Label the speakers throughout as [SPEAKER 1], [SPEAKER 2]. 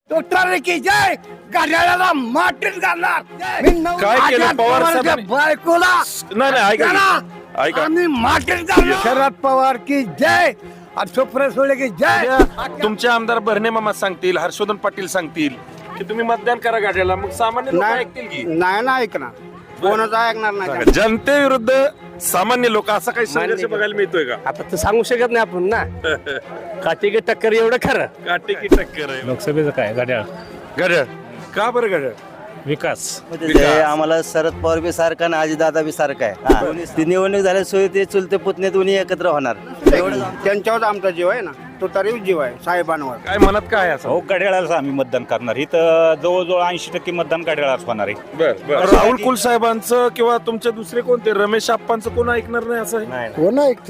[SPEAKER 1] तुतारी की जय घड्याळाला मातीत घालणार
[SPEAKER 2] काय केलं पवार साहेबांनी?
[SPEAKER 1] बायकोला
[SPEAKER 2] नाही नाही ऐका
[SPEAKER 1] त्याला
[SPEAKER 2] की. ऐका
[SPEAKER 1] आम्ही मातीत घालणार शरद पवार की जय आणि सुप्रिया सुळे की जय
[SPEAKER 2] तुमचे आमदार भरणे मामा सांगतील, हर्षवर्धन पाटील सांगतील की तुम्ही मतदान करा गाड्याला, मग सामान्य लोक ऐकतील की?
[SPEAKER 1] नाही ना ऐकणार कोणाच ऐकणार नाही
[SPEAKER 2] जनतेविरुद्ध सामान्य लोक असा काही संघर्ष बघायला मिळतोय का?
[SPEAKER 3] आता तर सांगू शकत नाही आपण ना काठी की टक्कर एवढं खरं.
[SPEAKER 2] काटे की टक्कर आहे
[SPEAKER 4] लोकसभेचं काय घड्याळ
[SPEAKER 2] घड्याळ. का बरं घड्याळ?
[SPEAKER 4] विकास
[SPEAKER 5] ते आम्हाला शरद पवार बी सारखा आणि अजितदादा बी सारखा आहे. ती निवडणूक झाल्याशिवाय ते चुलते पुतणे दोन्ही एकत्र होणार.
[SPEAKER 1] त्यांच्यावर आमचा जीव आहे ना तुतारी जीव आहे साहेबांवर
[SPEAKER 2] काय मनात काय असं?
[SPEAKER 4] हो घड्याळालाच आम्ही मतदान करणार. इथं जवळजवळ 80% मतदान घड्याळाच होणार आहे.
[SPEAKER 2] बर राहुल कुल साहेबांचं किंवा तुमचे दुसरे कोणते रमेश आप्पांचं कोण ऐकणार नाही असं आहे?
[SPEAKER 1] कोण ऐकते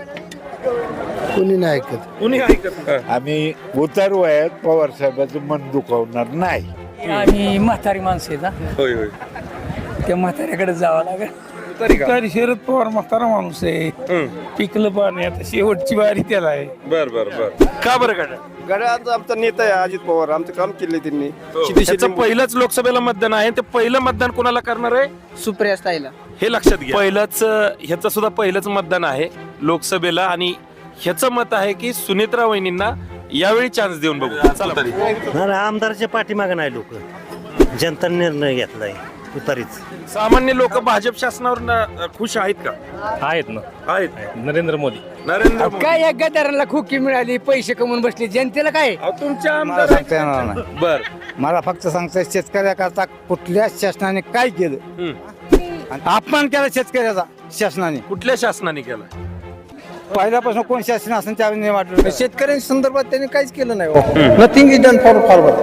[SPEAKER 1] तेव्हा कोणी नाही ऐकत
[SPEAKER 2] कुणी ऐकत नाही.
[SPEAKER 6] आम्ही उतारू आहेत पवार साहेबांचं मन दुखावणार नाही.
[SPEAKER 7] आम्ही म्हातारी माणसं आहेत हा.
[SPEAKER 2] होय होय.
[SPEAKER 7] त्या म्हाताऱ्याकडे जावं लागेल.
[SPEAKER 2] तरी का?
[SPEAKER 7] तरी शरद पवार म्हातारा माणूस आहे. पिकलं पाणी आता शेवटची वारी त्याला आहे.
[SPEAKER 2] बर बर बर. का बरं घड्याळ?
[SPEAKER 3] गड्याचा आमचा नेता आहे अजित पवार. आमचं काम केले त्यांनी.
[SPEAKER 2] त्याचं पहिलंच लोकसभेला मतदान आहे. ते पहिलं मतदान कोणाला करणार आहे
[SPEAKER 7] सुप्रिया ताईला.
[SPEAKER 2] हे लक्षात घ्या. पहिलंच ह्याचं सुद्धा पहिलंच मतदान आहे लोकसभेला आणि ह्याचं मत आहे की सुनेत्रा वहिनींना यावेळी चान्स देऊन बघू. चला तरी
[SPEAKER 5] आमदारच्या पाठीमागे नाही लोक. जनता निर्णय घेतलाय तुतारीच.
[SPEAKER 2] सामान्य लोक भाजप शासनावर खुश आहेत का?
[SPEAKER 4] आहेत ना,
[SPEAKER 2] आहेत.
[SPEAKER 4] नरेंद्र मोदी.
[SPEAKER 2] नरेंद्र मोदी.
[SPEAKER 7] काय या गदाराला खोकी मिळाली, पैसे कमवून बसले, जनतेला काय?
[SPEAKER 2] अहो, तुमच्या
[SPEAKER 1] मला
[SPEAKER 2] आमदार
[SPEAKER 1] सांगता येणार नाही.
[SPEAKER 2] बर
[SPEAKER 1] मला फक्त सांगता शेतकऱ्याकरता कुठल्याच शासनाने काय केलं आणि अपमान केला शेतकऱ्याचा शासनाने.
[SPEAKER 2] कुठल्या शासनाने केला?
[SPEAKER 1] पहिल्यापासून कोण शासन असेल त्यावेळी नाही वाटलं.
[SPEAKER 7] शेतकऱ्यांच्या संदर्भात त्यांनी काहीच केलं नाही. Nothing is done for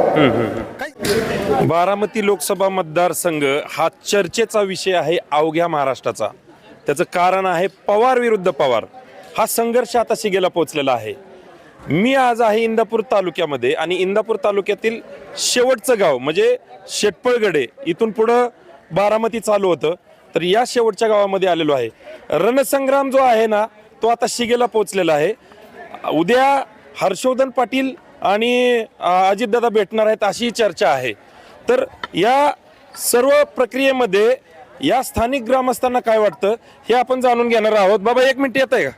[SPEAKER 7] forward.
[SPEAKER 2] Baramati Lok Sabha मतदारसंघ हा चर्चेचा विषय आहे अवघ्या महाराष्ट्राचा. त्याचं कारण आहे पवार विरुद्ध पवार. हा संघर्ष आता शिगेला पोहोचलेला आहे. मी आज आहे इंदापूर तालुक्यामध्ये आणि इंदापूर तालुक्यातील शेवटचं गाव म्हणजे शेटपळगडे, इथून पुढं बारामती चालू होतं. तर या शेवटच्या गावामध्ये आलेलो आहे. रणसंग्राम जो आहे ना तो आता शिगेला पोहोचलेला आहे. उद्या हर्षवर्धन पाटील आणि अजितदादा भेटणार आहेत अशी चर्चा आहे. तर या सर्व प्रक्रियेमध्ये या स्थानिक ग्रामस्थांना काय वाटतं हे आपण जाणून घेणार आहोत. बाबा एक मिनिट येत आहे का?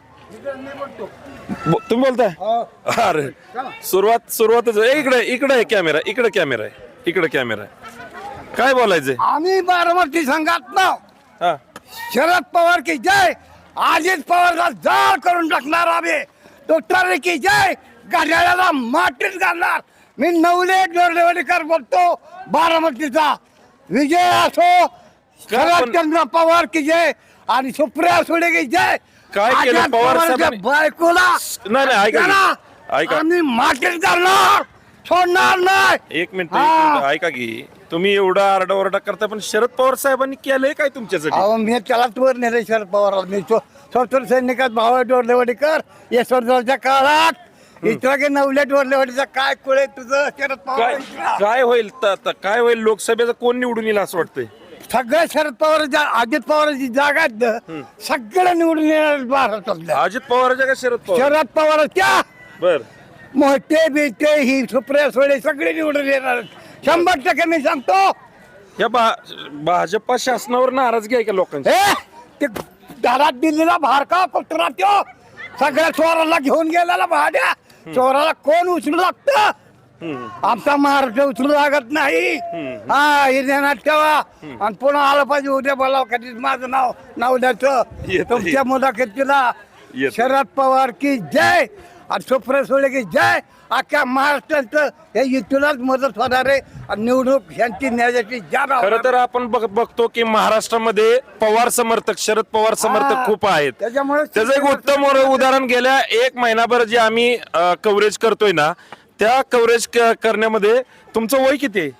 [SPEAKER 2] तुम्ही बोलताय? अरे सुरुवातच इकडे इकडे आहे कॅमेरा, इकडे कॅमेरा आहे, इकडे कॅमेरा आहे. काय बोलायचंय?
[SPEAKER 1] आम्ही बारामती संघात ना
[SPEAKER 2] हा
[SPEAKER 1] शरद पवार की जय अजित पवारला जाळ करून टाकणार आम्ही. तुतारी की जय घड्याळाला मातीत घालणार. मी नवले डोरलेवाडीकर बोलतो बारामतीचा. विजय असो शरदचंद्र पवार की जय आणि सुप्रिया सुळे की जय.
[SPEAKER 2] काय केलं
[SPEAKER 1] अजित
[SPEAKER 2] पवार
[SPEAKER 1] पवारच्या
[SPEAKER 2] साहेबांनी?
[SPEAKER 1] बायकोला
[SPEAKER 2] नाही नाही ऐका
[SPEAKER 1] त्याला
[SPEAKER 2] की. ऐका
[SPEAKER 1] आम्ही मातीत घालणार, सोडणार नाही.
[SPEAKER 2] एक मिनिट
[SPEAKER 1] हा.
[SPEAKER 2] ऐका की. तुम्ही एवढा आरडाओरडा करता पण शरद पवार साहेबांनी केलंय काय तुमच्यासाठी?
[SPEAKER 1] अहो मी त्यालाच वर नेले शरद पवारला. मी स्वतंत्र सैनिकात भावा डोरलेवाडीकर यशवंतरावच्या काळात इतरा की नवल्या डोरलेवाडीचा काय कुळे तुझं शरद
[SPEAKER 2] काय
[SPEAKER 1] पवार.
[SPEAKER 2] काय होईल काय होईल लोकसभेचं कोण निवडून येईल असं वाटतंय?
[SPEAKER 1] सगळ्या शरद पवार अजित पवारांची जागा आहेत ना, सगळं निवडून येणार महाराष्ट्रातल्या.
[SPEAKER 2] अजित पवारच्या का शरद पवार?
[SPEAKER 1] शरद पवारच्या
[SPEAKER 2] बर
[SPEAKER 1] मोठे बिटे ही सुप्रिया सुळे सगळे निवडून येणार 100% मी सांगतो.
[SPEAKER 2] या भाजपा शासनावर नाराजगी आहे का लोकांची?
[SPEAKER 1] हे ते दारात दिलेला भारका कुत्रा त्यो सगळ्या चोराला घेऊन गेलेला भाड्या. चोराला कोण उचलू लागतं? आमचा महाराष्ट्र उचलू लागत नाही. हा हे ध्यानात ठेवा. आणि पुन्हा आलं पाहिजे उद्या बोलाव कधीच माझं नाव द्यायचं
[SPEAKER 2] येतं.
[SPEAKER 1] तुमच्या मुलाखतीला.
[SPEAKER 2] येतं.
[SPEAKER 1] शरद पवार की जय आणि सुप्रिया सुळे की जय. अख्ख्या महाराष्ट्राचं हे युतीलाच मदत होणार आहे आणि निवडणूक यांची न्यायाची जागा
[SPEAKER 2] खरं तर आपण बघतो की महाराष्ट्रामध्ये पवार समर्थक, शरद पवार समर्थक खूप आहेत.
[SPEAKER 1] त्याच्यामुळे
[SPEAKER 2] त्याचं एक उत्तम उदाहरण गेल्या एक महिनाभर जे आम्ही कव्हरेज करतोय ना त्या कव्हरेज करण्यामध्ये तुमचं वय किती आहे?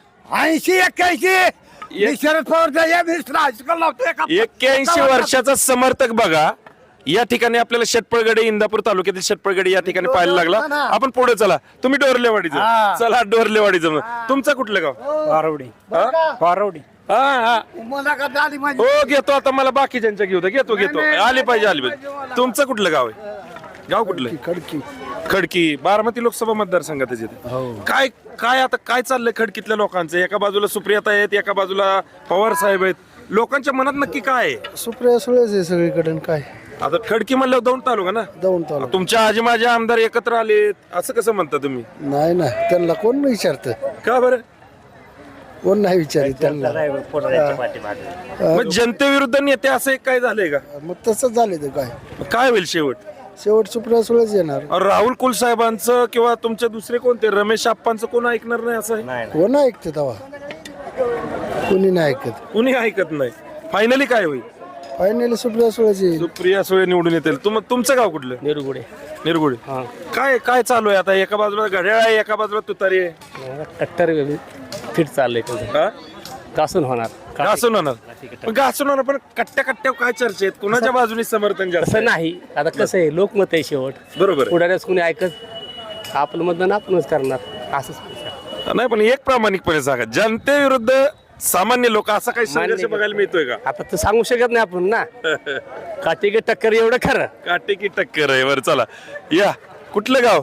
[SPEAKER 1] 80-81. मी शरद पवारचा हायस्कूल लावतोय
[SPEAKER 2] 81 वर्षाचा समर्थक बघा. या ठिकाणी आपल्याला शेटपळगडे, इंदापूर तालुक्यातील शेटपळगडे या ठिकाणी पाहायला लागला. आपण पुढे चला. तुम्ही डोरलेवाडीचं
[SPEAKER 1] हा.
[SPEAKER 2] चला. डोरलेवाडीचं तुमचं कुठलं गाव?
[SPEAKER 7] पारवडी.
[SPEAKER 2] हा हा
[SPEAKER 1] मुलाखत आली माझी.
[SPEAKER 2] हो घेतो. आता मला बाकीच्यांच्या घेतो आली पाहिजे. तुमचं कुठलं गाव आहे? गाव कुठलं?
[SPEAKER 1] खडकी
[SPEAKER 2] खडकी बारामती लोकसभा मतदारसंघात येते काय काय आता काय चाललंय खडकीतल्या लोकांचं? एका बाजूला सुप्रियाता आहेत, एका बाजूला पवार साहेब आहेत. लोकांच्या मनात नक्की काय आहे?
[SPEAKER 7] सुप्रिया सुळेच आहे सगळीकडे काय
[SPEAKER 2] आता खडकी म्हणल्यावर दौंड तालुका ना,
[SPEAKER 7] जाऊन चालू
[SPEAKER 2] तुमच्या आजी माझे आमदार एकत्र आलेत असं कसं म्हणता तुम्ही?
[SPEAKER 7] नाही ना त्यांना कोण विचारतं
[SPEAKER 2] का बरं?
[SPEAKER 7] कोण नाही विचारित त्यांना
[SPEAKER 2] मग जनतेविरुद्ध नेते असं एक काय झालंय का?
[SPEAKER 7] मग तसंच झाले ते काय
[SPEAKER 2] मग काय होईल शेवट?
[SPEAKER 7] शेवट सुप्रिया सुळेच येणार.
[SPEAKER 2] राहुल कुल साहेबांचं किंवा तुमचे दुसरे कोणते रमेश आप्पांचं कोण ऐकणार नाही असं आहे?
[SPEAKER 7] कोण ऐकतं तेव्हा कोणी नाही ऐकत.
[SPEAKER 2] कुणी ऐकत नाही. फायनली काय होईल?
[SPEAKER 7] फायनली सुप्रिया सुळेच येईल.
[SPEAKER 2] सुप्रिया सुळे निवडून येतील. तुमचं गाव कुठलं?
[SPEAKER 3] निरगुडे
[SPEAKER 2] निरगुडे. काय काय चालू आहे आता? एका बाजूला घड्याळ आहे, एका बाजूला तुतारी आहे.
[SPEAKER 3] टक्कर फिट चाललंय
[SPEAKER 2] हा?
[SPEAKER 3] कासून होणार
[SPEAKER 2] घासून होणार. पण घासून होणार, पण कट्ट्या कट्ट्यावर काय चर्चा आहेत? कुणाच्या बाजूने समर्थन जास्त
[SPEAKER 3] तसं
[SPEAKER 2] आहे?
[SPEAKER 3] नाही. आता कसं आहे, लोकमत आहे शेवट.
[SPEAKER 2] बरोबर आहे.
[SPEAKER 3] पुढाऱ्याच कोणी ऐकत आपलं मतदान आपणच करणार असंच.
[SPEAKER 2] नाही पण एक प्रामाणिकपणे सांगा, जनतेविरुद्ध सामान्य लोक असा काही संघर्ष
[SPEAKER 3] मान्य.
[SPEAKER 2] बघायला मिळतोय का?
[SPEAKER 3] आता तर सांगू शकत नाही आपण ना. काठी की टक्कर एवढं खरं.
[SPEAKER 2] काटे की टक्कर आहे. बरं चला या. कुठलं गाव?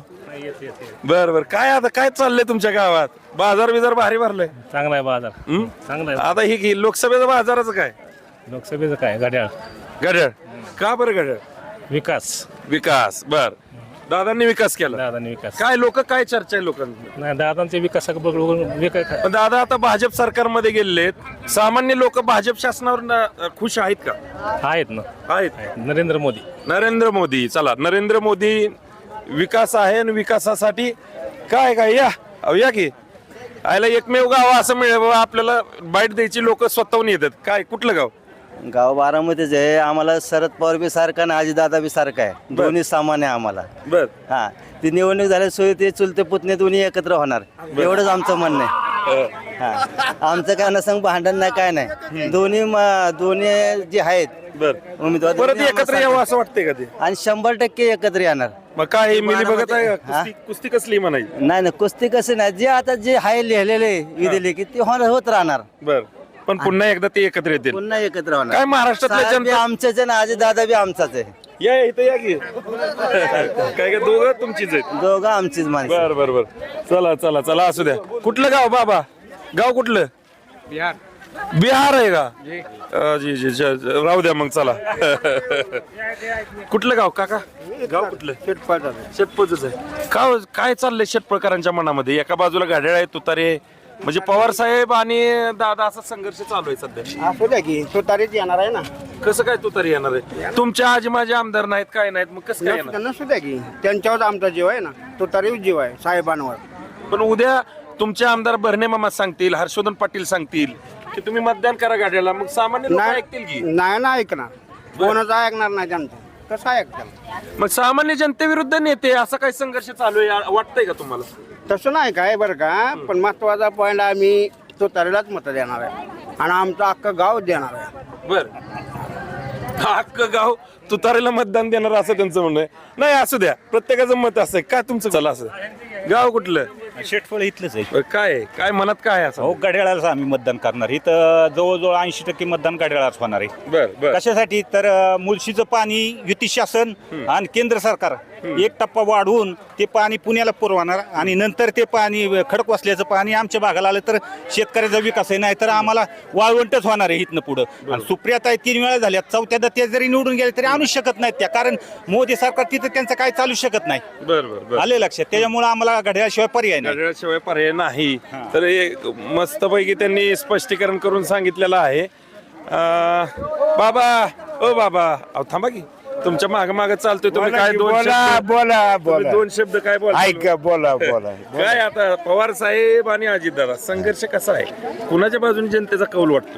[SPEAKER 2] बर बर. काय आता काय चाललंय तुमच्या गावात? बाजार बिजार भारी भरलाय?
[SPEAKER 8] चांगला आहे बाजार.
[SPEAKER 2] हं?
[SPEAKER 8] चांगला आहे.
[SPEAKER 2] आता ही लोकसभेचा बाजाराचं काय?
[SPEAKER 8] लोकसभेचं काय घड्याळ
[SPEAKER 2] घड्याळ. का बरं घड्याळ?
[SPEAKER 8] विकास.
[SPEAKER 2] विकास. बर. दादांनी विकास केला.
[SPEAKER 8] दादांनी विकास.
[SPEAKER 2] काय लोक काय चर्चा आहे लोकांची?
[SPEAKER 8] नाही दादांचे विकासाक बघून विकास.
[SPEAKER 2] पण दादा आता भाजप सरकारमध्ये गेलेत. सामान्य लोक भाजप शासनावर खुश आहेत का?
[SPEAKER 8] आहेत ना.
[SPEAKER 2] आहेत.
[SPEAKER 8] नरेंद्र मोदी.
[SPEAKER 2] नरेंद्र मोदी. चला नरेंद्र मोदी विकास आहे आणि विकासासाठी काय काय या अहो या की आयला एकमेव गाव असं मिळेल बाबा आपल्याला बाईट द्यायची लोक स्वतःहून येतात. काय कुठलं गाव?
[SPEAKER 5] गाव बारामतीच आहे. आम्हाला शरद पवार बी सारखा आणि आजीदादा बी सारखा आहे. दोन्ही समान आहे आम्हाला.
[SPEAKER 2] बर.
[SPEAKER 5] हा ती निवडणूक झाल्याशिवाय ते चुलते पुतणे दोन्ही एकत्र होणार एवढंच आमचं म्हणणं आहे. हा आमचं काय नसंग भांडण नाही काय नाही. दोन्ही जे आहेत
[SPEAKER 2] बर.
[SPEAKER 5] उमेदवार
[SPEAKER 2] परत
[SPEAKER 5] दोन्ही
[SPEAKER 2] एकत्र
[SPEAKER 5] आम्हाला
[SPEAKER 2] यावं असं वाटतंय का ते?
[SPEAKER 5] आणि 100% एकत्र येणार.
[SPEAKER 2] मग काय मिली बघत आहे का?
[SPEAKER 5] हा?
[SPEAKER 2] कुस्ती कसली म्हणायची?
[SPEAKER 5] नाही कुस्ती कसं नाही जे आता जे आहे लिहिलेले विधिले की ते होत राहणार.
[SPEAKER 2] बर. पण पुन्हा एकदा ते एकत्र येतील.
[SPEAKER 5] पुन्हा एकत्र होणार.
[SPEAKER 2] काय महाराष्ट्रातल्या
[SPEAKER 5] साहेब बी
[SPEAKER 2] जनता
[SPEAKER 5] आमचेच आहे ना आजी दादा बी आमचाच आहे.
[SPEAKER 2] या इथं या की काय काय दोघं तुमचीच आहेत?
[SPEAKER 5] दोघं आमचीच माणसं.
[SPEAKER 2] बर बर बर. चला चला चला असू द्या. कुठलं गाव बाबा? गाव कुठलं?
[SPEAKER 7] बिहार.
[SPEAKER 2] बिहार आहे का? जी जी जी. राहू द्या मग चला. कुठलं गाव काका? गाव कुठलं? शेतपळच आहे. काय चाललंय शेतपळकरांच्या मनामध्ये? एका बाजूला घड्याळ आहे, तुतारी आहे. म्हणजे पवार साहेब आणि दादा असा संघर्ष चालू आहे सध्या.
[SPEAKER 7] असू द्या की तो तारीच येणार आहे ना.
[SPEAKER 2] कसं काय तुतारी येणार आहे? तुमच्या आजी माझे आमदार नाहीत काय नाहीत मग कसं काय येणार?
[SPEAKER 7] नसू द्या की त्यांच्यावर आमचा जीव आहे ना. तो तारीच जीव आहे साहेबांवर.
[SPEAKER 2] पण उद्या तुमचे आमदार भरणे मामा सांगतील, हर्षवर्धन पाटील सांगतील की तुम्ही मतदान करा गाड्याला, मग सामान्य लोक ऐकतील की?
[SPEAKER 7] नाही ना ऐकणार. कोणाचं ऐकणार नाही त्यांचं. कसं ऐकतात?
[SPEAKER 2] मग सामान्य जनतेविरुद्ध नेते असा काही संघर्ष चालू आहे वाटतंय का तुम्हाला?
[SPEAKER 7] तसं नाही काय बरं का. पण महत्वाचा पॉईंट आम्ही तो तारीलाच मत देणार आहे आणि आमचं अख्खं गाव देणार आहे.
[SPEAKER 2] बर. अख्खं गाव तुतारीला मतदान देणार असं त्यांचं म्हणणं आहे. नाही असू द्या, प्रत्येकाचं मत असं काय तुमचं? चला असं. गाव कुठलं?
[SPEAKER 4] शेटफळ इथलंच आहे.
[SPEAKER 2] काय मनात काय आहे असं?
[SPEAKER 4] हो घड्याळाला आम्ही मतदान करणार. इथं जवळजवळ 80% मतदान घड्याळाच होणार आहे.
[SPEAKER 2] बर बर.
[SPEAKER 4] कशासाठी तर मुळशीचं पाणी युती शासन आणि केंद्र सरकार 1 टप्पा वाढवून ते पाणी पुण्याला पुरवणार आणि नंतर ते पाणी खडकवासल्याचं पाणी आमच्या भागाला आलं तर शेतकऱ्याचा विकास आहे. नाही तर आम्हाला वाळवंटच होणार आहे इथनं पुढं. आणि सुप्रियाताई 3 वेळा झाल्या, 4थ्यांदा ते जरी निवडून गेले तरी आणू शकत नाहीत त्या, कारण मोदी सरकार तिथं त्यांचं काय चालू शकत नाही.
[SPEAKER 2] बर बर बर.
[SPEAKER 4] आले लक्षात. त्याच्यामुळे आम्हाला घड्याळाशिवाय पर्याय नाही.
[SPEAKER 2] घड्याळाशिवाय पर्याय नाही. तर एक मस्तपैकी त्यांनी स्पष्टीकरण करून सांगितलेलं आहे. बाबा ओ बाबा अहो थांबा की तुमच्या माग माग चालतोय तुम्ही. काय दोन
[SPEAKER 6] बोला
[SPEAKER 2] शब्द-
[SPEAKER 6] बोला
[SPEAKER 2] तुम्ही
[SPEAKER 6] बोला.
[SPEAKER 2] 2 शब्द काय बोला?
[SPEAKER 6] ऐका बोला बोला.
[SPEAKER 2] काय आता पवार साहेब आणि अजितदादा संघर्ष कसा आहे? कुणाच्या बाजूने जनतेचा कौल वाटतोय?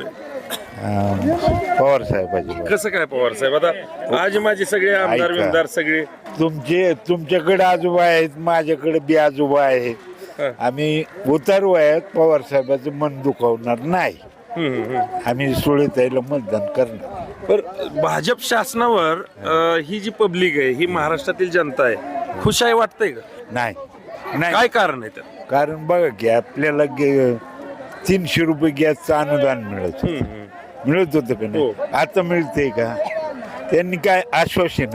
[SPEAKER 6] पवार साहेबाची.
[SPEAKER 2] कसं काय पवार साहेब? आता आज माझे सगळे आमदार
[SPEAKER 6] ऐका.
[SPEAKER 2] विमदार सगळे
[SPEAKER 6] तुमच्याकडे आजोबा आहेत, माझ्याकडे बी आजोबा आहेत.
[SPEAKER 2] हा.
[SPEAKER 6] आम्ही उतारू आहेत. पवार साहेबाचं मन दुखावणार नाही. आम्ही सुळेताईला मतदान करणार.
[SPEAKER 2] पर भाजप शासनावर ही जी पब्लिक आहे, ही महाराष्ट्रातील जनता आहे, खुश आहे वाटतंय का?
[SPEAKER 6] नाही नाही.
[SPEAKER 2] काय कारण आहे त्यात?
[SPEAKER 6] कारण बघा की आपल्याला 300 रुपये गॅसचं अनुदान मिळत होतं का
[SPEAKER 2] हो.
[SPEAKER 6] नाही? आता मिळते का? त्यांनी काय आश्वासन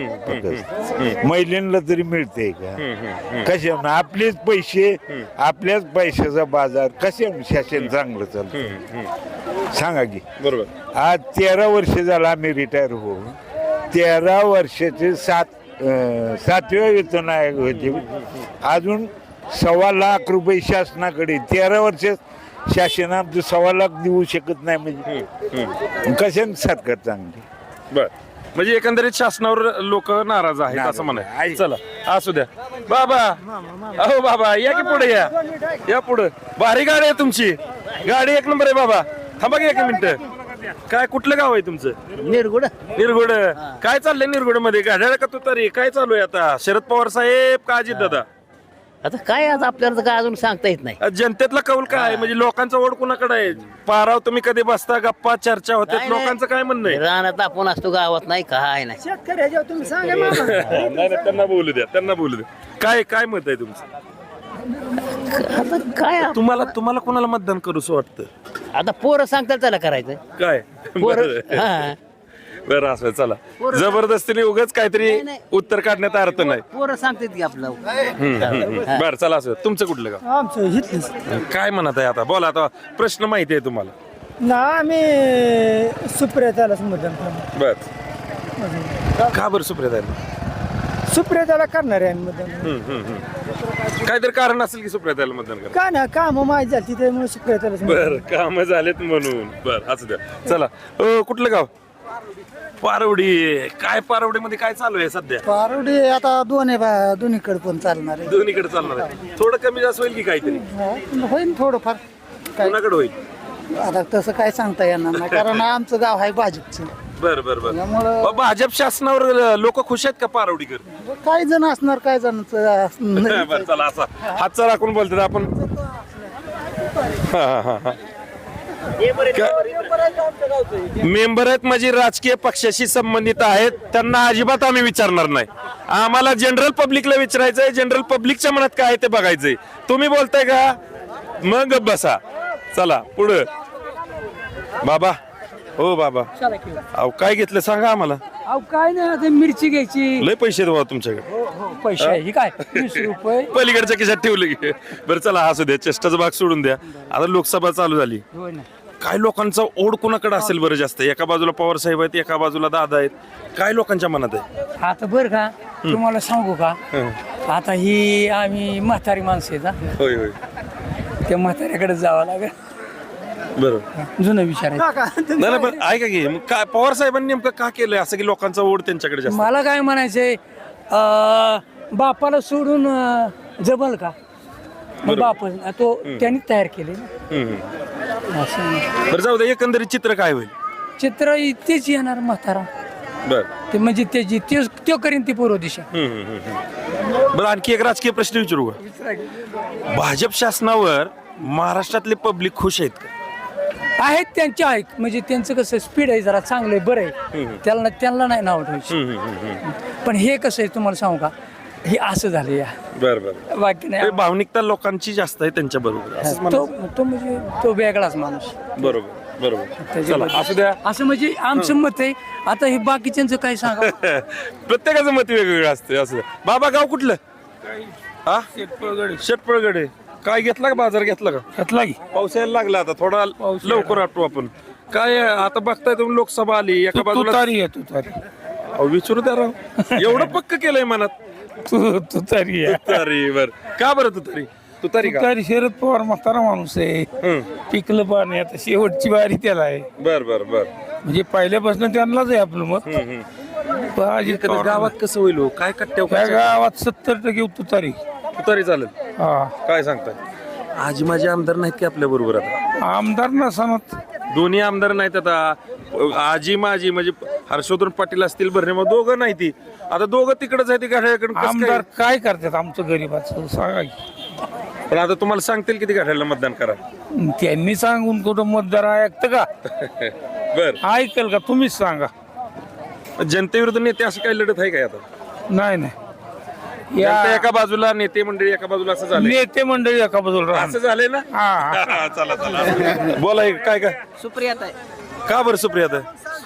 [SPEAKER 6] दिलं महिलांना तरी मिळते का कशा आपलेच पैसे आपल्याच पैशाचा बाजार कशा शासन चांगलं चालतं सांगा की
[SPEAKER 2] बरोबर.
[SPEAKER 6] आज 13 वर्ष झालं आम्ही रिटायर हो 13 वर्षाचे 7व्या वेतन आयोग होते अजून 1.25 लाख रुपये शासनाकडे 13 वर्ष शासन आमचं 1.25 लाख देऊ शकत नाही म्हणजे कशाने सरकार चांगली
[SPEAKER 2] बर म्हणजे एकंदरीत शासनावर लोक नाराज आहेत असं म्हणाय. चला असू द्या बाबा. अहो बाबा या की पुढे या पुढे. भारी गाडी आहे तुमची. गाडी एक नंबर आहे बाबा. थांबा की 1 मिनिट. काय कुठलं गाव आहे तुमचं?
[SPEAKER 5] निरगुड
[SPEAKER 2] निरगुड. काय चाललंय निरगुड मध्ये? घड्याळ का तुतारी काय चालू आहे आता? शरद पवार साहेब का अजित दादा?
[SPEAKER 5] आता काय आज आपल्याला काय अजून सांगता येत नाही.
[SPEAKER 2] जनतेतला कौल काय आहे? म्हणजे लोकांचा ओढ कुणाकडे आहे? पाराव तुम्ही कधी बसता गप्पा चर्चा होते
[SPEAKER 5] नाही, नाही.
[SPEAKER 2] लोकांचं काय म्हणणं आहे?
[SPEAKER 5] रानात आपण असतो गावात नाही काय नाही.
[SPEAKER 2] नाही त्यांना बोलू द्या. काय मत आहे तुमचं?
[SPEAKER 5] आता काय
[SPEAKER 2] तुम्हाला कोणाला मतदान करूस वाटतं?
[SPEAKER 5] आता पोरं सांगतात त्याला करायचं.
[SPEAKER 2] काय
[SPEAKER 5] पोरं हा.
[SPEAKER 2] बरं असं चला जबरदस्तीने उगाच काहीतरी
[SPEAKER 5] नाही.
[SPEAKER 2] उत्तर काढण्यात अर्थ नाही.
[SPEAKER 5] पोरं सांगतात की आपलं.
[SPEAKER 2] बरं चला असं तुमचं कुठलं गाव?
[SPEAKER 1] आमचं हितलीच
[SPEAKER 2] काय म्हणत आहे आता? बोला आता प्रश्न माहिती आहे तुम्हाला.
[SPEAKER 1] ना आम्ही सुप्रियातालाच मतदान करणार.
[SPEAKER 2] बर का बरं सुप्रियाताईला?
[SPEAKER 1] सुप्रियाताला करणार आहे आम्ही मतदान.
[SPEAKER 2] काहीतरी कारण असेल की सुप्रियाताईला मतदान करा.
[SPEAKER 1] काय ना काम माहिती झाली त्यामुळे सुप्रियातालाच
[SPEAKER 2] बर काम झालेत म्हणून. बर असू द्या चला. कुठलं गाव? पारवडी. काय पारवडीमध्ये काय चालू आहे सध्या?
[SPEAKER 1] पारोडी आता दोन्हीकडे पण चालणार आहे.
[SPEAKER 2] दोन्हीकडे चालणार आहे. थोडं कमी जास्त होईल की काहीतरी?
[SPEAKER 1] होईल थोडंफार.
[SPEAKER 2] कोणाकडे होईल?
[SPEAKER 1] आता तसं काय सांगता येणार नाही कारण आमचं गाव आहे भाजपचं.
[SPEAKER 2] बर
[SPEAKER 1] त्यामुळं-
[SPEAKER 2] भाजप शासनावर लोक खुश आहेत का पारवडीकर?
[SPEAKER 1] काही जण असणार काही जण
[SPEAKER 2] बरं चला असा हातचा राखून बोलतात आपण. मेंबर आहेत म्हणजे राजकीय पक्षाशी संबंधित आहेत त्यांना अजिबात आम्ही विचारणार नाही. आम्हाला जनरल पब्लिकला विचारायचंय. जनरल पब्लिकच्या मनात काय आहे ते बघायचंय. तुम्ही बोलताय का? मग बसा. चला पुढे बाबा. हो बाबा अहो काय घेतलं सांगा आम्हाला.
[SPEAKER 1] अहो काय नाही आता मिरची घ्यायची.
[SPEAKER 2] लय पैसे आहेत बाबा तुमच्याकडे.
[SPEAKER 1] पैसे आहे काय 20 रुपये.
[SPEAKER 2] पलीकडच्या खिशात ठेवलं की. बरं चला असू द्या चेष्टाचा भाग सोडून द्या. आता लोकसभा चालू झाली. काय लोकांचा ओढ कुणाकडे असेल बरं जास्त? एका बाजूला पवार साहेब आहेत एका बाजूला दादा आहेत. काय लोकांच्या मनात आहे?
[SPEAKER 9] आता बरं का तुम्हाला सांगू का आता ही आम्ही म्हातारी माणसं आहेत हा.
[SPEAKER 2] होय होय
[SPEAKER 9] त्या म्हाताऱ्याकडे जावं लागेल
[SPEAKER 2] बरोबर.
[SPEAKER 9] जुनं विचारायचं.
[SPEAKER 2] नाही पण ऐका की मग काय पवार साहेबांनी नेमकं का केलंय असं की लोकांचा ओढ त्यांच्याकडे जास्त?
[SPEAKER 9] मला काय म्हणायचंय बापाला सोडून जमल का? मग बाप तो त्यांनी तयार केले ना. असं
[SPEAKER 2] बरं जाऊ दे एकंदरीत चित्र काय होईल?
[SPEAKER 9] चित्र तेच येणार म्हातारा.
[SPEAKER 2] बर
[SPEAKER 9] ते म्हणजे त्याची तो करीन ती पूर्व दिशा.
[SPEAKER 2] बरं आणखी एक राजकीय प्रश्न विचारू का? भाजप शासनावर महाराष्ट्रातले पब्लिक खुश आहेत का?
[SPEAKER 9] आहेत त्यांच्या आहेत म्हणजे त्यांचं कसं स्पीड आहे जरा चांगलं आहे बरं आहे. त्यांना नाही नाव ठेवायचं. पण हे कसं आहे तुम्हाला सांगू का हे असं झालं या
[SPEAKER 2] बरं
[SPEAKER 9] बाकी नाही.
[SPEAKER 2] भावनिकता लोकांची जास्त आहे त्यांच्या बरोबर.
[SPEAKER 9] तो म्हणजे तो वेगळाच माणूस.
[SPEAKER 2] बरोबर चला असू द्या.
[SPEAKER 9] असं म्हणजे आमचं मत आहे. आता हे बाकीच्यांचं काय सांगा.
[SPEAKER 2] प्रत्येकाचं मत वेगवेगळं असतं. असं द्या. बाबा गाव कुठलं? हा शेटपळगडे. काय घेतला का बाजार घेतला का?
[SPEAKER 8] घेतला की
[SPEAKER 2] पाऊस यायला लागला आता थोडा लवकर आटू आपण. काय आता बघताय तुम्ही लोकसभा आली एका बाजूला. अहो, विचारू द्या राव. एवढं पक्क केलंय मनात.
[SPEAKER 8] तुतारी आहे.
[SPEAKER 2] तुतारी बर का बरं तुतारी का?
[SPEAKER 8] तुतारी शरद पवार म्हातारा माणूस आहे. पिकलं पाणी आता शेवटची वारी त्याला आहे.
[SPEAKER 2] बर
[SPEAKER 8] म्हणजे पहिल्यापासून त्यांनाच आहे आपलं मत. पण अजित पवार
[SPEAKER 2] गावात कसं होईल हो? काय
[SPEAKER 8] त्या
[SPEAKER 2] कट्ट्या
[SPEAKER 8] गावात 70% तुतारी.
[SPEAKER 2] तुतारी चालेल?
[SPEAKER 8] हा
[SPEAKER 2] काय सांगताय? आजी माझे आमदार नाहीत की आपल्या बरोबर आता?
[SPEAKER 8] आमदार नसणार.
[SPEAKER 2] दोन्ही आमदार नाहीत आता. आजी माझी म्हणजे हर्षवर्धन पाटील असतील भरणे मग दोघं नाही ती. आता दोघं तिकडच आहे ती गाड्याकडे.
[SPEAKER 8] आमदार काय करतात आमचं गरीबाचं सांगा की.
[SPEAKER 2] पण आता तुम्हाला सांगतील किती गाड्याला मतदान करा.
[SPEAKER 8] त्यांनी सांगून कुठं मतदार ऐकतं का?
[SPEAKER 2] बर
[SPEAKER 8] ऐकल का? तुम्हीच सांगा.
[SPEAKER 2] जनतेविरुद्ध नेते असं काही लढत आहे काय आता?
[SPEAKER 8] नाही
[SPEAKER 2] जनता एका बाजूला नेते मंडळी एका बाजूला असं झालं.
[SPEAKER 8] नेते मंडळी एका बाजूला
[SPEAKER 2] असं झालंय ना?
[SPEAKER 8] हा
[SPEAKER 2] चला बोला काय
[SPEAKER 5] सुप्रियात आहे.
[SPEAKER 2] का बरं सुप्रियाता?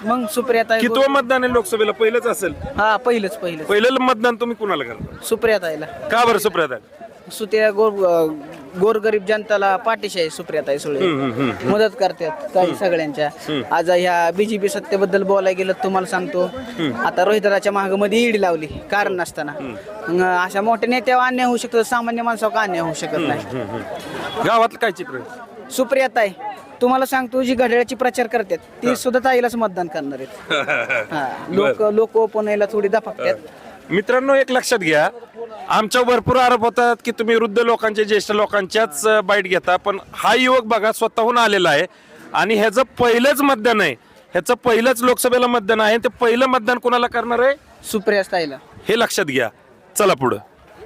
[SPEAKER 10] मग सुप्रियाताई
[SPEAKER 2] कितवं मतदान आहे लोकसभेला? पहिलंच असेल.
[SPEAKER 10] हा पहिलंच
[SPEAKER 2] पहिलं मतदान तुम्ही कुणाला करता?
[SPEAKER 10] सुप्रियाताईला
[SPEAKER 2] का बरं सुप्रियाताई?
[SPEAKER 10] सुत्या गोरगरीब जनताला पाठीशी आहे सुप्रियाताई सुळे. मदत करतात काही सगळ्यांच्या. आज ह्या बीजेपी सत्तेबद्दल बोलायला गेलं तुम्हाला सांगतो, आता रोहितराच्या महागामध्ये ईडी लावली कारण नसताना. मग अशा मोठ्या नेत्यावर अन्याय होऊ शकतो, सामान्य माणसावर अन्याय होऊ शकत नाही.
[SPEAKER 2] गावातलं काय चित्र आहे?
[SPEAKER 10] सुप्रियाताई तुम्हाला सांगतो जी घड्याळाची प्रचार करतात ती सुद्धा ताईलाच मतदान करणार आहेत. लोक ओपन थोडी दफाकतात.
[SPEAKER 2] मित्रांनो, एक लक्षात घ्या, आमच्या भरपूर आरोप होतात की तुम्ही वृद्ध लोकांचे, ज्येष्ठ लोकांच्याच बाईट घेता, पण हा युवक बघा स्वतःहून आलेला आहे आणि ह्याचं पहिलंच मतदान आहे, ह्याचं पहिलंच लोकसभेला मतदान आहे. ते पहिलं मतदान कोणाला करणार आहे?
[SPEAKER 10] सुप्रियाताईला.
[SPEAKER 2] हे लक्षात घ्या. चला पुढं.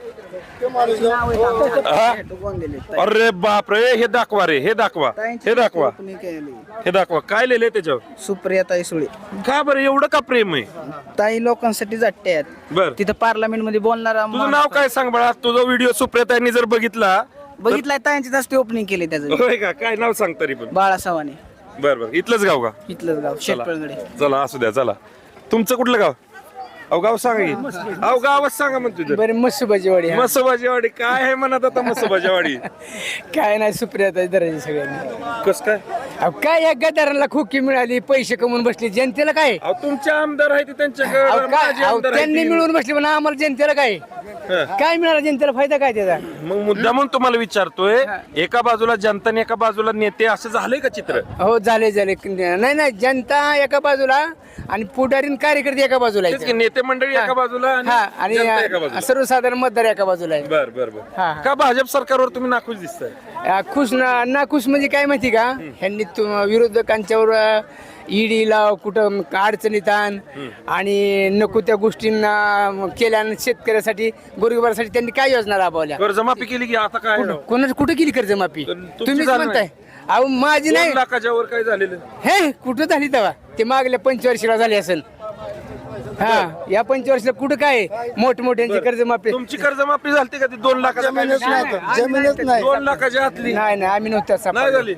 [SPEAKER 2] अरे बापरे, हे दाखवा रे, हे दाखवा, हे दाखवा, हे दाखवा. काय लिहिलंय त्याच्यावर?
[SPEAKER 10] सुप्रियाताई सुळे.
[SPEAKER 2] का बरं एवढं का प्रेम आहे?
[SPEAKER 10] ताई लोकांसाठी जाट्टे आहेत.
[SPEAKER 2] बर,
[SPEAKER 10] तिथं पार्लमेंट मध्ये बोलणारा
[SPEAKER 2] तुझं नाव काय सांग बाळा? तुझा व्हिडिओ सुप्रियाताईंनी जर बघितला,
[SPEAKER 10] बघितलाय ताईंची जास्त ओपनिंग केली त्याचं.
[SPEAKER 2] होय का? काय नाव सांग तरी पण?
[SPEAKER 10] बाळा सवानी.
[SPEAKER 2] बर बर, इथलंच गाव का?
[SPEAKER 10] इथलंच गाव शेटपळगडे.
[SPEAKER 2] चला असू द्या. चला, तुमचं कुठलं गाव? अहो गाव सांगा की. अहो गावच सांगा मग तुझं.
[SPEAKER 9] बरं मसुबाजीवाडी.
[SPEAKER 2] मसोबाजीवाडी. काय आहे म्हणत आता मसोबाजीवाडी?
[SPEAKER 9] काय नाही सुप्रियाताई धरायची सगळ्यांनी.
[SPEAKER 2] कस काय?
[SPEAKER 9] अहो काय या गदारांना खोकी मिळाली, पैसे कमवून बसले, जनतेला काय?
[SPEAKER 2] अहो तुमचे आमदार आहे ते त्यांच्याकडे,
[SPEAKER 9] अहो, काय
[SPEAKER 2] माझे
[SPEAKER 9] अहो,
[SPEAKER 2] आमदार आहेत
[SPEAKER 9] त्यांनी
[SPEAKER 2] ते.
[SPEAKER 9] मिळवून बसले पण आम्हाला जनतेला काय? काय मिळालं जनतेला? फायदा काय त्याचा?
[SPEAKER 2] मग मुद्दा म्हणून तुम्हाला विचारतोय, एका बाजूला जनता आणि एका बाजूला नेते, असं झालंय का चित्र?
[SPEAKER 9] हो झाले. नाही नाही, जनता एका बाजूला आणि पुढारी आणि कार्यकर्ते एका बाजूला
[SPEAKER 2] तेच की,
[SPEAKER 9] आहेत.
[SPEAKER 2] नेते मंडळी एका बाजूला आणि जनता एका बाजूला.
[SPEAKER 9] आणि सर्वसाधारण मतदार एका बाजूला आहे.
[SPEAKER 2] बर बर बर. का भाजप सरकारवर तुम्ही नाखुश दिसताय?
[SPEAKER 9] खुश ना खुश म्हणजे काय माहिती का, ह्यांनी विरोधकांच्यावर ईडीला कुठं अडचणीत आण आणि नको त्या गोष्टींना केल्या. शेतकऱ्यासाठी, गोरगरिबासाठी त्यांनी काय योजना राबवल्या?
[SPEAKER 2] कर्जमाफी केली की आता काय?
[SPEAKER 9] कोणाच कुठं केली कर्जमाफी? तुम्हीच म्हणताय. अहो माझी नाही.
[SPEAKER 2] 2 लाखाच्या वर काय झालेलं?
[SPEAKER 9] हे कुठं झाली तेव्हा? ते मागल्या 25 झाली असेल. हा, या 25 कुठं काय मोठमोठ्यांची कर्जमाफी?
[SPEAKER 2] तुमची कर्जमाफी झाली का? ती 2 लाखाच्या
[SPEAKER 1] जमीनच नाही.
[SPEAKER 2] 2 लाखाच्या आतली
[SPEAKER 9] नाही आम्ही नव्हत्या.
[SPEAKER 2] नाही झाली.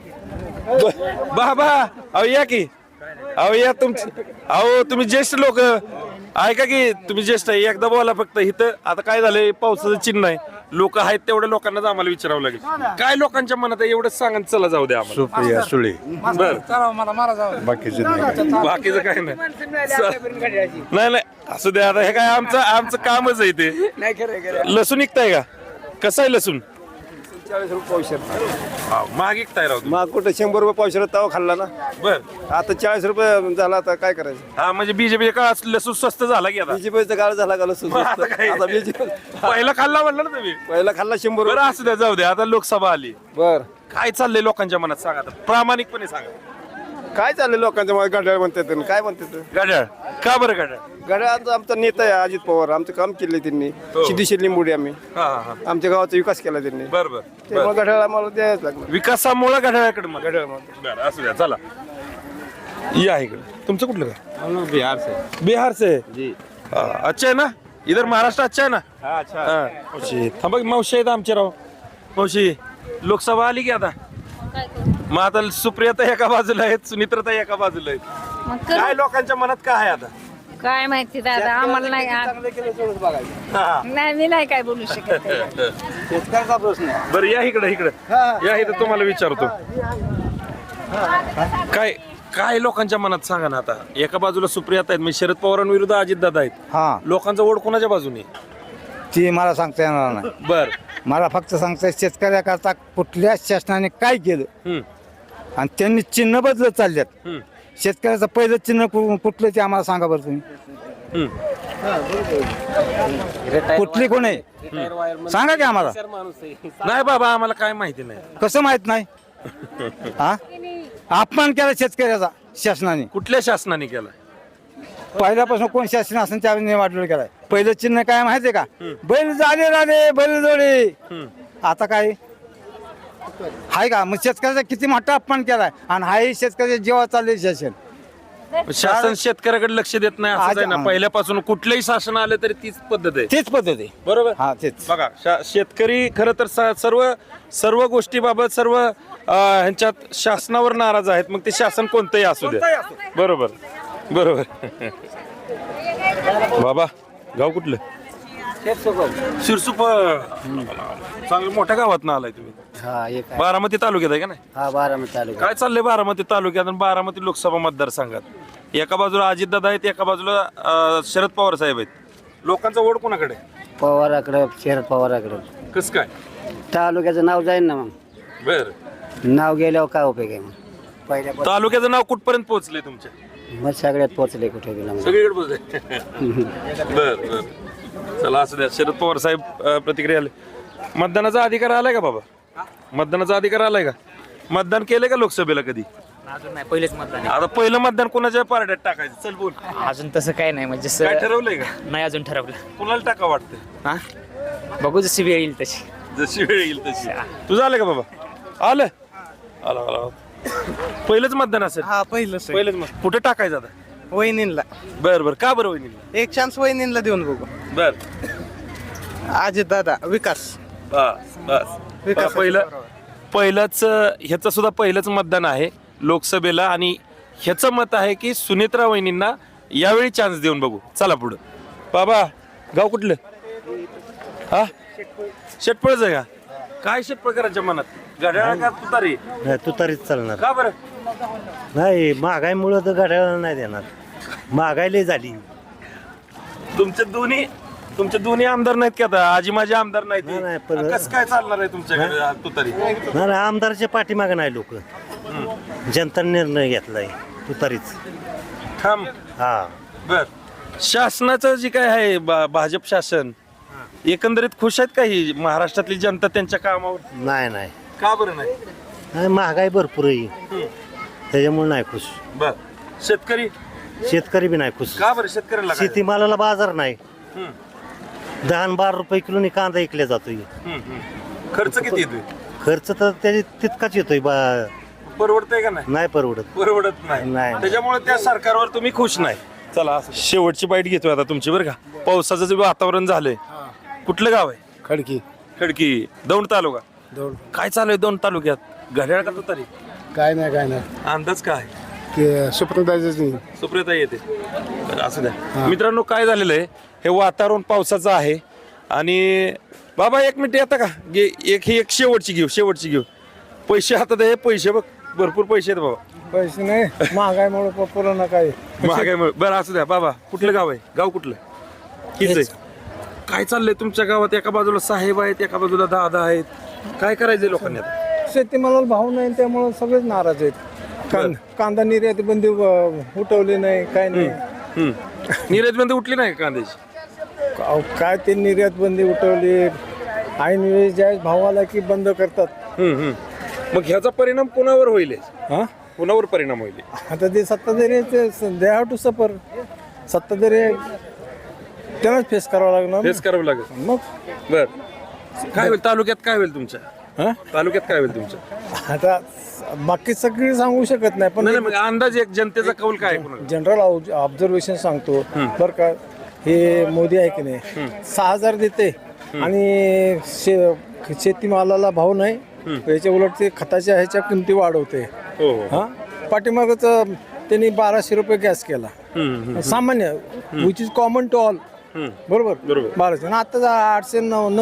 [SPEAKER 2] बाबा अहो या की, अहो या अहो तुम्ही ज्येष्ठ लोक ऐका की, तुम्ही ज्येष्ठ आहे, एकदा बोला फक्त. इथं आता काय झालंय, पावसाचं चिन्ह आहे, लोक आहेत तेवढ्या लोकांनाच आम्हाला विचारावं लागेल. काय लोकांच्या मनात आहे एवढंच सांगा, चला जाऊ द्या आम्हाला.
[SPEAKER 6] सुप्रिया सुळे.
[SPEAKER 2] बर,
[SPEAKER 6] बाकीचे नाही.
[SPEAKER 2] बाकीचं काय नाही. नाही असू द्या. आता हे काय आमचं कामच आहे ते.
[SPEAKER 9] नाही खरं
[SPEAKER 2] लसूण विकताय का? कसं आहे लसूण?
[SPEAKER 7] 40 रुपये पावशेर.
[SPEAKER 2] महाग विकताय राव तुम्ही.
[SPEAKER 7] मग कुठे 100 रुपये पावशेर तवा खाल्ला ना.
[SPEAKER 2] बर,
[SPEAKER 7] आता 40 रुपये झाला, आता काय करायचं?
[SPEAKER 2] हा म्हणजे बीजेपी का लसूण स्वस्त झाला की आता?
[SPEAKER 7] बीजेपीचा काळ झाला का लसूण?
[SPEAKER 2] आता काय?
[SPEAKER 7] आता बीजेपी
[SPEAKER 2] पहिला खाल्ला म्हणलं ना तुम्ही.
[SPEAKER 7] पहिला खाल्ला 100
[SPEAKER 2] बरं असू द्या, जाऊ द्या. आता लोकसभा आली,
[SPEAKER 7] बर.
[SPEAKER 2] काय चाललंय लोकांच्या मनात सांगा आता, प्रामाणिकपणे सांगा.
[SPEAKER 7] काय चाललंय लोकांच्या मध्ये? घड्याळ म्हणतात काय म्हणतात?
[SPEAKER 2] घड्याळ का बरं? घड्याळ
[SPEAKER 7] घड्याळाचा आमचा नेता आहे अजित पवार. आमचं काम केलंय त्यांनी. सिद्धेश्वर लिंबोडी आम्ही.
[SPEAKER 2] हा हा.
[SPEAKER 7] आमच्या गावाचा विकास केला त्यांनी.
[SPEAKER 2] बर बर.
[SPEAKER 7] त्यामुळे घड्याळ आम्हाला द्यायच लागलं.
[SPEAKER 2] विकासामुळे घड्याळाकडे मग.
[SPEAKER 7] घड्याळ
[SPEAKER 2] बरं असू द्या. चला या इकडे. तुमचं कुठलं का?
[SPEAKER 7] बिहार से.
[SPEAKER 2] बिहार से
[SPEAKER 7] जी.
[SPEAKER 2] अच्छा है ना? इधर महाराष्ट्र अच्छा है ना?
[SPEAKER 7] अच्छा.
[SPEAKER 2] मावशी थांबा की, मावशी आहेत आमचे राव. मावशी लोकसभा आली की आता? मग आता सुप्रियाता एका बाजूला आहेत, सुनित्रता एका बाजूला आहेत. काय लोकांच्या मनात काय आहे आता?
[SPEAKER 11] काय माहिती दादा, आम्हाला नाही. नाही मी नाही काय बोलू शकत.
[SPEAKER 7] शेतकऱ्याचा प्रश्न आहे.
[SPEAKER 2] बरं या इकडे या इथं तुम्हाला विचारतो. काय लोकांच्या मनात सांगा ना आता. एका बाजूला सुप्रियाता आहेत, म्हणजे शरद पवारांविरुद्ध अजितदादा आहेत.
[SPEAKER 5] हा,
[SPEAKER 2] लोकांचा ओढ कोणाच्या बाजूने?
[SPEAKER 5] ती मला सांगता येणार नाही.
[SPEAKER 2] बर,
[SPEAKER 5] मला फक्त सांगता शेतकऱ्याकरता कुठल्या शासनाने काय केलं आणि त्यांनी चिन्ह बदलत चालल्यात. शेतकऱ्याचं पहिलं चिन्ह कुठलं ते आम्हाला सांगा बरं तुम्ही. कुठली कोण आहे सांगा की आम्हाला.
[SPEAKER 2] नाही बाबा आम्हाला काय माहिती नाही.
[SPEAKER 5] कसं माहित नाही? हा, अपमान केला शेतकऱ्याचा शासनाने.
[SPEAKER 2] कुठल्या शासनाने केला?
[SPEAKER 5] पहिल्यापासून कोण शासन असेल त्यावेळी वाटलं केलाय. पहिलं चिन्ह काय माहितीये का? बैल झाले राणे बैल जोडे. आता काय हाय का? मग शेतकऱ्याचा किती मोठा अपमान केलाय आणि हाही शेतकऱ्याच्या जीवा चालले शासन.
[SPEAKER 2] शासन शेतकऱ्याकडे लक्ष देत नाही असं आहे ना. पहिल्यापासून कुठलंही शासन आलं तरी तीच पद्धत आहे.
[SPEAKER 7] तेच पद्धत आहे.
[SPEAKER 2] बरोबर.
[SPEAKER 7] हा तेच.
[SPEAKER 2] बघा शेतकरी खरं तर सर्व गोष्टीबाबत सर्व ह्यांच्यात शासनावर नाराज आहेत. मग ते शासन कोणतंही असू दे. बरोबर बरोबर. बाबा गाव कुठलं? शिरसुप. चांगलं मोठ्या गावात ना आलाय तुम्ही.
[SPEAKER 5] हा एक आहे.
[SPEAKER 2] बारामती तालुक्यात आहे का नाही?
[SPEAKER 5] हा बारामती तालुका.
[SPEAKER 2] काय चाललंय बारामती तालुक्यात आणि बारामती लोकसभा मतदारसंघात? एका बाजूला अजितदादा आहेत, एका बाजूला शरद पवार साहेब आहेत. लोकांचा ओढ कोणाकडे?
[SPEAKER 5] पवाराकडे, शरद पवाराकडे.
[SPEAKER 2] कस काय?
[SPEAKER 5] तालुक्याचं नाव जाईल ना मग.
[SPEAKER 2] बर.
[SPEAKER 5] नाव गेल्यावर काय उपयोग आहे मग? पहिल्या
[SPEAKER 2] तालुक्याचं नाव कुठपर्यंत पोहोचले तुमच्या?
[SPEAKER 5] मग सगळ्यात पोहोचले कुठे गेला मग.
[SPEAKER 2] सगळीकडे पोहोचले. बर बर. चला असू द्या. शरद पवार साहेब प्रतिक्रिया आले. मतदानाचा अधिकार आलाय का बाबा? मतदानाचा अधिकार आलाय का? मतदान केलंय का लोकसभेला कधी?
[SPEAKER 3] अजून नाही, पहिलेच मतदान
[SPEAKER 2] आता पहिलं मतदान कोणाच्या पार्ट्यात टाकायचं? चल बोल.
[SPEAKER 3] अजून तसं काय नाही म्हणजे
[SPEAKER 2] काय ठरवलंय का?
[SPEAKER 3] नाही अजून ठरवलं.
[SPEAKER 2] कुणाला टाका वाटतं?
[SPEAKER 3] हा बघू जशी वेळ येईल तशी.
[SPEAKER 2] जशी वेळ येईल तशी. तुझं आलं का बाबा? आलं आला आला. पहिलंच मतदान असेल?
[SPEAKER 9] हा पहिलंच
[SPEAKER 2] पहिलंच मत. कुठे टाकायचं आता?
[SPEAKER 9] वहिनींला
[SPEAKER 2] बर बर. का बरं वहिनीला?
[SPEAKER 9] एक चान्स वहिनींला देऊन बघू.
[SPEAKER 2] बर.
[SPEAKER 9] अजित दादा विकास.
[SPEAKER 2] बस बस. पहिलंच ह्याचं सुद्धा पहिलंच मतदान आहे लोकसभेला आणि ह्याचं मत आहे की सुनेत्रा वहिनींना यावेळी चान्स देऊन बघू. चला पुढं. बाबा गाव कुठलं? हा शेटपळच आहे का? काय शेटपळकरांच्या मनात? घड्याळ का तुतारी?
[SPEAKER 5] तू तरीच चालणार.
[SPEAKER 2] का बरं?
[SPEAKER 5] नाही महागाईमुळे तर घड्याळ नाही देणार. महागाई लई झाली.
[SPEAKER 2] तुमचे दोन्ही आमदार नाहीत का आता? आजी माझे आमदार
[SPEAKER 5] नाही,
[SPEAKER 2] नाहीत.
[SPEAKER 5] पण-
[SPEAKER 2] कसं काय चालणार आहे तुमच्याकडे तुतारी?
[SPEAKER 5] नाही आमदारच्या पाठीमागे नाही लोक. जनता निर्णय घेतलाय तू तरीच.
[SPEAKER 2] थांब.
[SPEAKER 5] हा
[SPEAKER 2] बर. शासनाचं जे काय आहे भाजप शासन एकंदरीत खुश आहेत का ही महाराष्ट्रातली जनता त्यांच्या कामावर?
[SPEAKER 5] नाही नाही
[SPEAKER 2] का बरं नाही?
[SPEAKER 5] नाही महागाई भरपूर आहे त्याच्यामुळे नाही खुश.
[SPEAKER 2] बर. शेतकरी?
[SPEAKER 5] शेतकरी बी नाही खुश.
[SPEAKER 2] का बरं? शेतकऱ्याला काय?
[SPEAKER 5] शेतीमालाला बाजार नाही.
[SPEAKER 2] हम्म,
[SPEAKER 5] 10-12 रुपये किलोनी कांदा विकला जातोय.
[SPEAKER 2] हम्म, हम्म. खर्च किती येतोय?
[SPEAKER 5] खर्च तर त्याची तितकाच येतोय
[SPEAKER 2] परवडतंय का नाही?
[SPEAKER 5] नाही परवडत.
[SPEAKER 2] परवडत नाही.
[SPEAKER 5] नाही.
[SPEAKER 2] त्याच्यामुळे त्या सरकारवर तुम्ही खुश नाही. चला शेवटची बाईट घेतोय आता तुमची बरं का. पावसाचं जे वातावरण झालंय. कुठलं गाव आहे?
[SPEAKER 9] खडकी.
[SPEAKER 2] खडकी. दौंड तालुका. काय चालू आहे दौंड तालुक्यात? घड्याळ का तुतारी?
[SPEAKER 9] काय नाही
[SPEAKER 2] अंदाज काय?
[SPEAKER 9] ते सुप्रदाची.
[SPEAKER 2] सुप्रियता येते. असं द्या. मित्रांनो काय झालेलं आहे हे वातावरण पावसाचं आहे आणि बाबा एक मिनिट येता का? एक शेवटची घेऊ. पैसे हातात आहे. पैसे बघ भरपूर पैसे आहेत बाबा.
[SPEAKER 9] पैसे नाही महागाईमुळे पुन्हा काय.
[SPEAKER 2] महागाईमुळे. बरं असू द्या. बाबा कुठलं गाव आहे? गाव कुठलं? हीच आहे. काय चाललंय तुमच्या गावात? एका बाजूला साहेब आहेत, एका बाजूला दादा आहेत. काय करायचंय लोकांनी आता?
[SPEAKER 9] शेतीमालाला भाव नाही त्यामुळे सगळेच नाराज आहेत. कांदा निर्यात बंदी उठवली नाही काय नाही.
[SPEAKER 2] निर्यात बंदी उठली नाही का कांद्याची?
[SPEAKER 9] काय ते निर्यात बंदी उठवली. ऐन वेळी ज्या भावाला की बंद करतात.
[SPEAKER 2] मग ह्याचा परिणाम कोणावर होईल?
[SPEAKER 9] हा
[SPEAKER 2] कोणावर परिणाम होईल?
[SPEAKER 9] आता ते सत्ताधारी दे हॅव टू सफर. सत्ताधारी त्यांनाच फेस करावं लागणार.
[SPEAKER 2] फेस करावं लागेल.
[SPEAKER 9] मग
[SPEAKER 2] बर. काय होईल तालुक्यात? काय होईल तुमच्या तालुक्यात? काय होईल तुमच्या?
[SPEAKER 9] आता बाकी सगळी सांगू शकत नाही पण
[SPEAKER 2] मग अंदाज एक जनतेचा कौल काय?
[SPEAKER 9] जनरल ऑब्झर्वेशन सांगतो बरं का. हे मोदी आहे की नाही 6,000 देते आणि शेतीमालाला भाव नाही. याच्या उलट ते खताच्या ह्याच्या किमती वाढवते. हा पाठीमागच त्यांनी 1200 रुपये गॅस केला सामान्य which is common to all. बरोबर 1200 आणि आता 800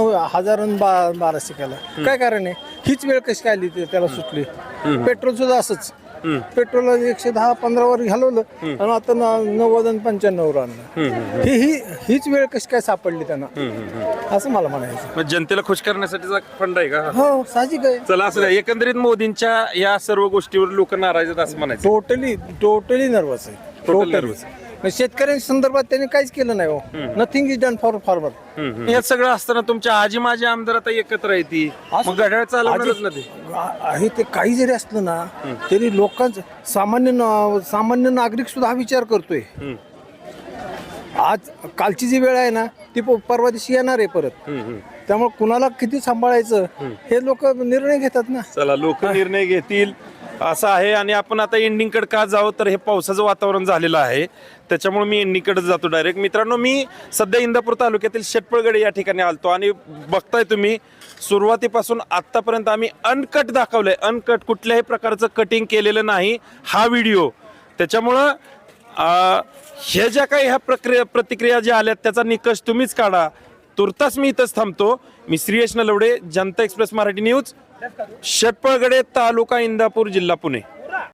[SPEAKER 9] 9,000 केला. काय कारण आहे? हीच वेळ कशी काय आली त्याला सुटली. पेट्रोल सुद्धा असंच. पेट्रोल 110-15 वर घालवलं आणि आता 90 आणि 95 आणलं. हीच वेळ कशी काय सापडली त्यांना असं मला म्हणायचं.
[SPEAKER 2] जनतेला खुश करण्यासाठीचा फंड आहे का?
[SPEAKER 9] हो साहजिक आहे.
[SPEAKER 2] चला असं नाही. एकंदरीत मोदींच्या या सर्व गोष्टीवर लोक नाराज आहेत असं म्हणायचं.
[SPEAKER 9] टोटली नर्वस आहे.
[SPEAKER 2] Totally nervous.
[SPEAKER 9] शेतकऱ्यांच्या संदर्भात त्यांनी काहीच केलं नाही. हो nothing is done for farmer.
[SPEAKER 2] हे सगळं असताना तुमच्या आजी माझी आमदार आता एकत्र येते मग घड्याळ चालवणारच ना ते.
[SPEAKER 9] आहे ते काही जरी असलं ना तरी लोकांचं सामान्य नागरिक सुद्धा हा विचार करतोय. आज कालची जी वेळ आहे ना ती परवा दिवशी येणार आहे परत. त्यामुळे कुणाला किती सांभाळायचं हे लोक निर्णय घेतात ना.
[SPEAKER 2] चला लोक निर्णय घेतील. असं आहे. आणि आपण आता एंडिंगकडे का जावं तर हे पावसाचं वातावरण झालेलं आहे, त्याच्यामुळे मी एंडिंगकडे जातो डायरेक्ट. मित्रांनो, मी सध्या इंदापूर तालुक्यातील शेटपळगडे या ठिकाणी आलतो आणि बघताय तुम्ही सुरुवातीपासून आत्तापर्यंत आम्ही अनकट दाखवलंय. अनकट, कुठल्याही प्रकारचं कटिंग केलेलं नाही हा व्हिडिओ. त्याच्यामुळं ह्या ज्या काही ह्या प्रतिक्रिया ज्या आल्यात त्याचा निकष तुम्हीच काढा. तुर्तास मी इथंच थांबतो. मी श्रीयश नलवडे, जनता एक्सप्रेस मराठी न्यूज, शेटपळगडे, तालुका इंदापूर, जिल्हा पुणे.